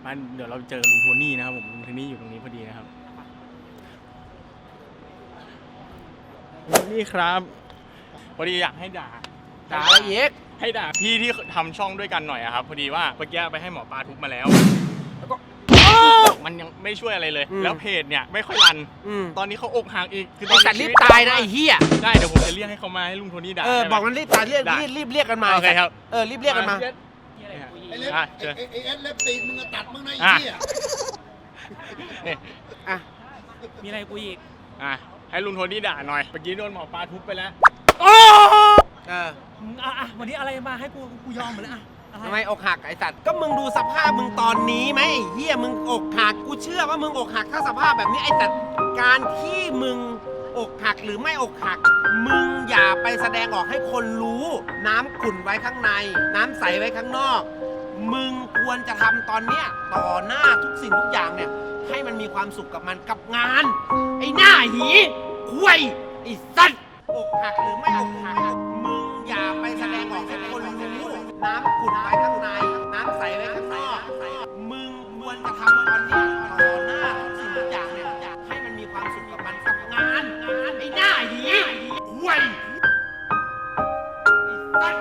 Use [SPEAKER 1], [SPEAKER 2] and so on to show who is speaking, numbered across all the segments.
[SPEAKER 1] มาเดี๋ยวเราเจอลุงโทนี่นะครับผมลุงโทนี่อยู่ตรงนี้พอดีนะครับลุงโทนี่ครับพอดีอยากให้ด่า
[SPEAKER 2] อะไรเย็ก
[SPEAKER 1] ให้ด่าพี่ที่ทำช่องด้วยกันหน่อยอะครับพอดีว่าเมื่อกี้ไปให้หมอปลาทุบมาแล้วก็มันยังไม่ช่วยอะไรเลยแล้วเพจเนี่ยไม่ค่อยรันตอนนี้เขาอกหักอีกคือตอน
[SPEAKER 2] สัตว์รีบตายนะไอ้เหี้ย
[SPEAKER 1] ได้เดี๋ยวผมจะเรียกให้เขามาให้ลุงโทนี่ด่า
[SPEAKER 2] บอกมันรีบตายรีบเรียกกันมา
[SPEAKER 1] โอเคครับ
[SPEAKER 2] รีบเรียกกันมา
[SPEAKER 3] ไอ้เล็บตีนมึงตัดมึงนะไอ้เหี้ย
[SPEAKER 4] มีอะไรกูอีก
[SPEAKER 1] ให้ลุงโทนี่ด่าหน่อยเมื่อกี้โดนหมอปลาทุบไปแล้ว
[SPEAKER 4] วันนี้อะไรมาให้กูยอมหมดเลย
[SPEAKER 2] ทำไมอกหักไอ้สัตว์ก็มึงดูสภาพมึงตอนนี้ไหมไอ้เหี้ยมึงอกหักกูเชื่อว่ามึงอกหักถ้าสภาพแบบนี้ไอ้สัตว์การที่มึงอกหักหรือไม่อกหักมึงอย่าไปแสดงออกให้คนรู้น้ำขุ่นไว้ข้างในน้ำใสไว้ข้างนอกมึงควรจะทำตอนเนี้ยต่อหน้าทุกสิ่งทุกอย่างเนี่ยให้มันมีความสุขกับมันกับงานไอ้หน้าหีคุยไอ้สัตว์อกหักหรือไม่อกหักมึงอย่าไปแสดงออกให้คนรู้น้ำขุ่นไว้ข้างในน้ำใสไว้ข้างนอกมึงควรจะทำตอนนี้ต่อหน้าทุกสิ่งทุกอย่างเนี่ยให้มันมีความสุขกับมันกับงานไอ้หน้าหีคุยไอ้สัตว์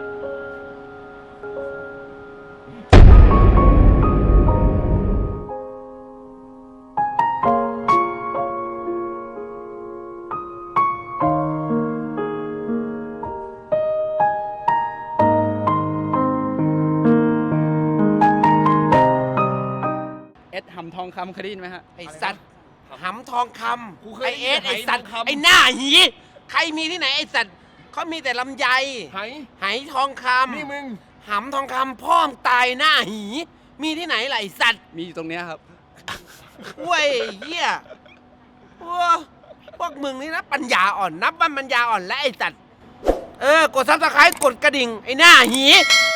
[SPEAKER 4] หำทองคำเคยได้ยินไหมฮะ
[SPEAKER 2] ไอสัตว์หำทองคำไอเอสไอสัตว์ไอหน้าหีใครมีที่ไหนไอสัตว์เขามีแต่ลำไยไหทองคำนี่มึงหำทองคำพ่อมตายหน้าหีมีที่ไหนล่ะไอสัตว์
[SPEAKER 4] มีอยู่ตรงเนี้ยครับ
[SPEAKER 2] เว้ยเหี้ยพวกมึงนี่นะปัญญาอ่อนนับว่าปัญญาอ่อนและไอสัตว์กดซับสไครต์กดกระดิ่งไอหน้าหี